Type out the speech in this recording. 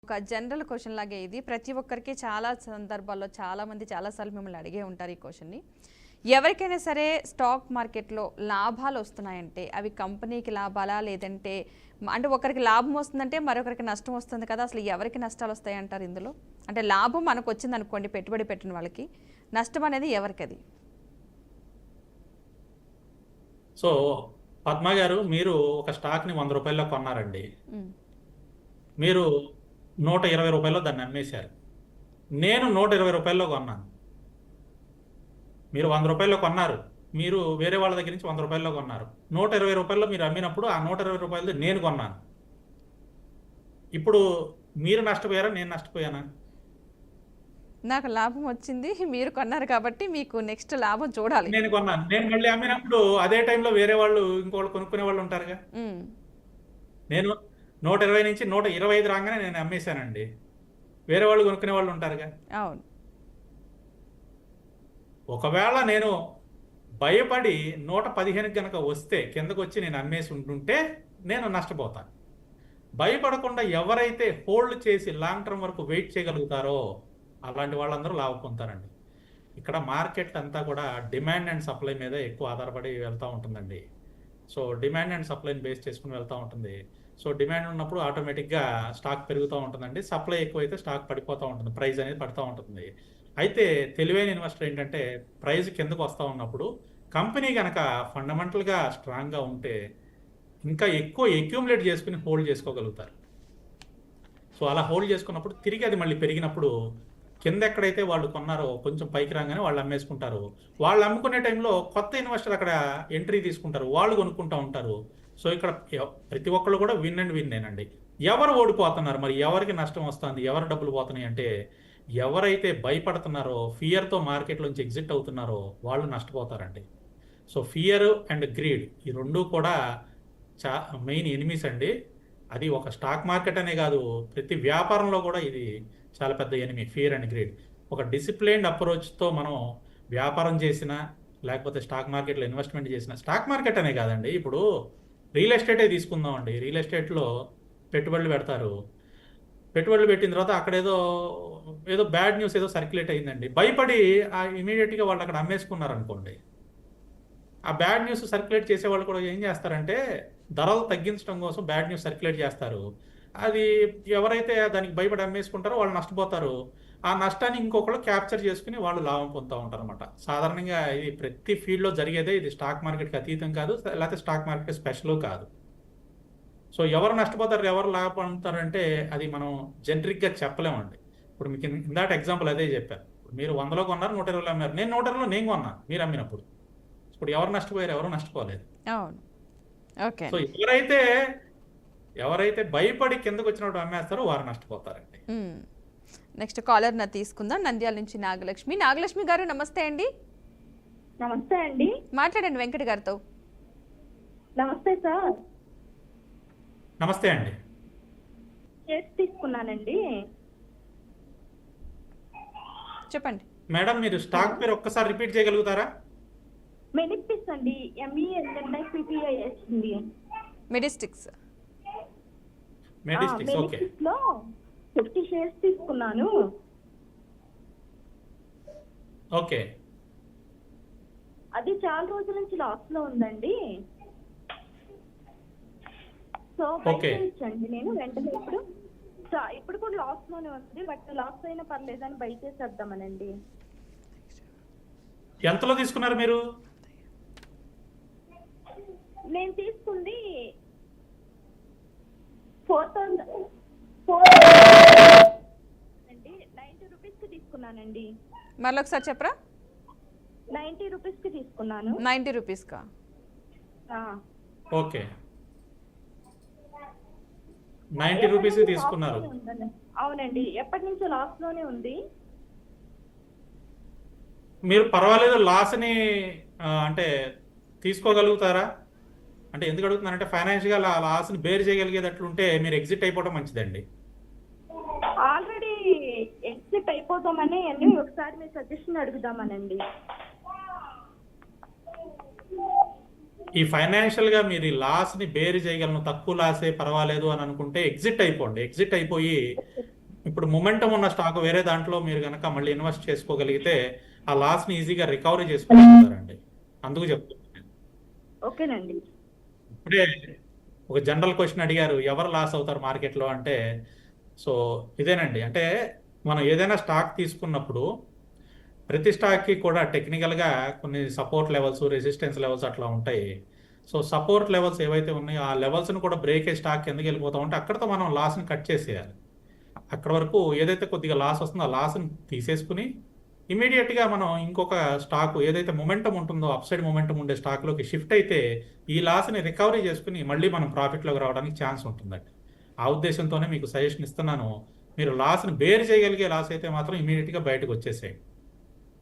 ఒక general question లాగే ఇది ప్రతి ఒక్కరికి చాలా సందర్భాల్లో చాలామంది చాలాసార్లు మిమ్మల్ని అడిగే ఉంటారు ఈ క్వశ్చన్ని. ఎవరికైనా సరే స్టాక్ మార్కెట్లో లాభాలు వస్తున్నాయంటే అవి కంపెనీకి లాభాలా లేదంటే అంటే ఒకరికి లాభం వస్తుందంటే మరొకరికి నష్టం వస్తుంది కదా, అసలు ఎవరికి నష్టాలు వస్తాయి అంటారు ఇందులో? అంటే లాభం మనకు వచ్చింది అనుకోండి పెట్టుబడి పెట్టిన వాళ్ళకి, నష్టం అనేది ఎవరికి? అది సో పద్మ గారు, మీరు ఒక స్టాక్ని 100 రూపాయల్లో కొన్నారండి. మీరు 120 రూపాయల్లో దాన్ని అమ్మేశారు. నేను 120 రూపాయల్లో కొన్నాను. మీరు 100 రూపాయల్లో కొన్నారు, మీరు వేరే వాళ్ళ దగ్గర నుంచి 100 రూపాయల్లో కొన్నారు. 120 రూపాయల్లో మీరు అమ్మినప్పుడు ఆ 120 రూపాయలు నేను కొన్నాను. ఇప్పుడు మీరు నష్టపోయారా, నేను నష్టపోయానా? నాకు లాభం వచ్చింది, మీరు కొన్నారు కాబట్టి మీకు నెక్స్ట్ లాభం చూడాలి. నేను కొన్నాను, నేను మళ్ళీ అమ్మినప్పుడు అదే టైంలో వేరే వాళ్ళు ఇంకోళ్ళు కొనుక్కునే వాళ్ళు ఉంటారుగా. నేను 120 నుంచి 125 రాగానే నేను అమ్మేశానండి, వేరే వాళ్ళు కొనుక్కునే వాళ్ళు ఉంటారుగా. అవును. ఒకవేళ నేను భయపడి 115 కనుక వస్తే కిందకు వచ్చి నేను అమ్మేసి ఉంటుంటే నేను నష్టపోతాను. భయపడకుండా ఎవరైతే హోల్డ్ చేసి లాంగ్ టర్మ్ వరకు వెయిట్ చేయగలుగుతారో అలాంటి వాళ్ళందరూ లాభ పొందుతారండి. ఇక్కడ మార్కెట్ అంతా కూడా డిమాండ్ అండ్ సప్లై మీద ఎక్కువ ఆధారపడి వెళ్తూ ఉంటుందండి. సో డిమాండ్ అండ్ సప్లైని బేస్ చేసుకుని వెళ్తూ ఉంటుంది. సో డిమాండ్ ఉన్నప్పుడు ఆటోమేటిక్గా స్టాక్ పెరుగుతూ ఉంటుందండి, సప్లై ఎక్కువైతే స్టాక్ పడిపోతూ ఉంటుంది, ప్రైస్ అనేది పడుతూ ఉంటుంది. అయితే తెలివైన ఇన్వెస్టర్ ఏంటంటే ప్రైస్ కిందకు వస్తూ ఉన్నప్పుడు కంపెనీ కనుక ఫండమెంటల్గా స్ట్రాంగ్గా ఉంటే ఇంకా ఎక్కువ అక్యూములేట్ చేసుకుని హోల్డ్ చేసుకోగలుగుతారు. సో అలా హోల్డ్ చేసుకున్నప్పుడు తిరిగి అది మళ్ళీ పెరిగినప్పుడు కింద ఎక్కడైతే వాళ్ళు కొన్నారో కొంచెం పైకి రాగానే వాళ్ళు అమ్మేసుకుంటారు. వాళ్ళు అమ్ముకునే టైంలో కొత్త ఇన్వెస్టర్ అక్కడ ఎంట్రీ తీసుకుంటారు, వాళ్ళు కొనుక్కుంటూ ఉంటారు. సో ఇక్కడ ప్రతి ఒక్కళ్ళు కూడా విన్ అండ్ విన్నేనండి. ఎవరు ఓడిపోతున్నారు, మరి ఎవరికి నష్టం వస్తుంది, ఎవరు డబ్బులు పోతున్నాయి అంటే ఎవరైతే భయపడుతున్నారో ఫియర్తో మార్కెట్లోంచి ఎగ్జిట్ అవుతున్నారో వాళ్ళు నష్టపోతారండి. సో ఫియర్ అండ్ గ్రీడ్ ఈ రెండూ కూడా మెయిన్ ఎనిమీస్ అండి. అది ఒక స్టాక్ మార్కెట్ అనే కాదు, ప్రతి వ్యాపారంలో కూడా ఇది చాలా పెద్ద ఎనిమీ, ఫియర్ అండ్ గ్రీడ్. ఒక డిసిప్లైన్డ్ అప్రోచ్తో మనం వ్యాపారం చేసినా లేకపోతే స్టాక్ మార్కెట్లో ఇన్వెస్ట్మెంట్ చేసినా, స్టాక్ మార్కెట్ అనే కాదండి, ఇప్పుడు రియల్ ఎస్టేటే తీసుకుందామండి. రియల్ ఎస్టేట్లో పెట్టుబడులు పెడతారు, పెట్టుబడులు పెట్టిన తర్వాత అక్కడ ఏదో బ్యాడ్ న్యూస్ ఏదో సర్క్యులేట్ అయిందండి, భయపడి ఇమీడియట్గా వాళ్ళు అక్కడ అమ్మేసుకున్నారు అనుకోండి. ఆ బ్యాడ్ న్యూస్ సర్క్యులేట్ చేసే వాళ్ళు కూడా ఏం చేస్తారంటే ధరలు తగ్గించడం కోసం బ్యాడ్ న్యూస్ సర్క్యులేట్ చేస్తారు. అది ఎవరైతే దానికి భయపడి అమ్మేసుకుంటారో వాళ్ళు నష్టపోతారు. ఆ నష్టాన్ని ఇంకొకళ్ళు క్యాప్చర్ చేసుకుని వాళ్ళు లాభం పొందుతూ ఉంటారు అనమాట. సాధారణంగా ఇది ప్రతి ఫీల్డ్లో జరిగేదే, ఇది స్టాక్ మార్కెట్కి అతీతం కాదు, లేకపోతే స్టాక్ మార్కెట్ స్పెషల్ కాదు. సో ఎవరు నష్టపోతారు ఎవరు లాభ పొందుతారంటే అది మనం జనరిక్గా చెప్పలేమండి. ఇప్పుడు మీకు ఇందాక ఎగ్జాంపుల్ అదే చెప్పాను. మీరు 100లో కొన్నారు, 120లో అమ్మారు, నేను 120లో నేను కొన్నాను, మీరు అమ్మినప్పుడు ఇప్పుడు ఎవరు నష్టపోయారు, ఎవరు నష్టపోలేదు. సో ఎవరైతే భయపడి కిందకు వచ్చినప్పుడు అమ్మేస్తారో వారు నష్టపోతారండి. నెక్స్ట్ కాలర్ నా తీసుకుందాం, నంద్యాల నుంచి నాగలక్ష్మి. నాగలక్ష్మి గారు నమస్తే అండి. నమస్తే అండి, మాట్లాడండి వెంకట గారితో. నమస్తే సార్. నమస్తే అండి. షేర్స్ తీసుకున్నానండి. చెప్పండి మేడం, మీరు స్టాక్ పేరు ఒక్కసారి రిపీట్ చేయగలుగుతారా? మెడిస్టిక్స్ అండి, MENIPPIS అండి. మెడిస్టిక్స్. మెడిస్టిక్స్, ఓకే. లో 50 షేర్స్ తీసుకున్నాను. ఓకే. అది చాలా రోజుల నుంచి లాస్ లో ఉందండి. సో బయటండి నేను వెంటనే ఇప్పుడు కూడా లాస్ లోనే ఉంది, బట్ లాస్ అయినా పర్లేదని బయట చేసేద్దామనండి. ఎంతలో తీసుకున్నారు మీరు? నేను తీసుకుంది 90 రూపీస్కి తీసుకున్నానండి. మళ్ళీ ఒకసారి చెప్పరా? 90 రూపీస్కి తీసుకున్నాను. 90 రూపీస్కా? ఓకే, 90 రూపీస్ తీసుకున్నారు. అవునండి, ఎప్పటి నుంచో లాస్ లోనే ఉంది. మీరు పర్వాలేదు లాస్ని అంటే తీసుకోగలుగుతారా? అంటే ఎందుకు అడుగుతున్నానంటే ఫైనాన్షియల్గా లాస్ని బేర్ చేయగలిగేటట్లుంటే మీరు ఎగ్జిట్ అయిపోవడం మంచిదండి. ఆల్రెడీ ఎగ్జిట్ అయిపోతామని ఒకసారి మీ సజెషన్ అడుగుదామనండి. ఈ ఫైనాన్షియల్గా మీరు ఈ లాస్ని బేర్ చేయగలను, తక్కువ లాసే పర్వాలేదు అని అనుకుంటే ఎగ్జిట్ అయిపోండి. ఎగ్జిట్ అయిపోయి ఇప్పుడు మొమెంటం ఉన్న స్టాక్ వేరే దాంట్లో మీరు కనుక మళ్ళీ ఇన్వెస్ట్ చేసుకోగలిగితే ఆ లాస్ని ఈజీగా రికవరీ చేసుకోగలుగుతారండి. అందుకు చెప్తున్నాను. ఓకేనండి. ఇప్పుడే ఒక జనరల్ క్వశ్చన్ అడిగారు, ఎవరు లాస్ అవుతారు మార్కెట్లో అంటే, సో ఇదేనండి. అంటే మనం ఏదైనా స్టాక్ తీసుకున్నప్పుడు ప్రతి స్టాక్కి కూడా టెక్నికల్గా కొన్ని సపోర్ట్ లెవెల్స్, రెసిస్టెన్స్ లెవెల్స్ అట్లా ఉంటాయి. సో సపోర్ట్ లెవెల్స్ ఏవైతే ఉన్నాయో ఆ లెవెల్స్ని కూడా బ్రేక్ అయ్యే స్టాక్ ఎందుకు వెళ్ళిపోతాం అంటే అక్కడితో మనం లాస్ని కట్ చేసేయాలి. అక్కడ వరకు ఏదైతే కొద్దిగా లాస్ వస్తుందో ఆ లాస్ని తీసేసుకుని ఇమీడియట్గా మనం ఇంకొక స్టాక్ ఏదైతే మొమెంటం ఉంటుందో అప్ సైడ్ మొమెంటం ఉండే స్టాక్లోకి షిఫ్ట్ అయితే ఈ లాస్ని రికవరీ చేసుకుని మళ్ళీ మనం ప్రాఫిట్లోకి రావడానికి ఛాన్స్ ఉంటుందండి. ఆ ఉద్దేశంతోనే మీకు సజెషన్ ఇస్తున్నాను. మీరు లాస్ని బేర్ చేయగలిగే లాస్ అయితే మాత్రం ఇమీడియట్గా బయటకు వచ్చేసేయండి.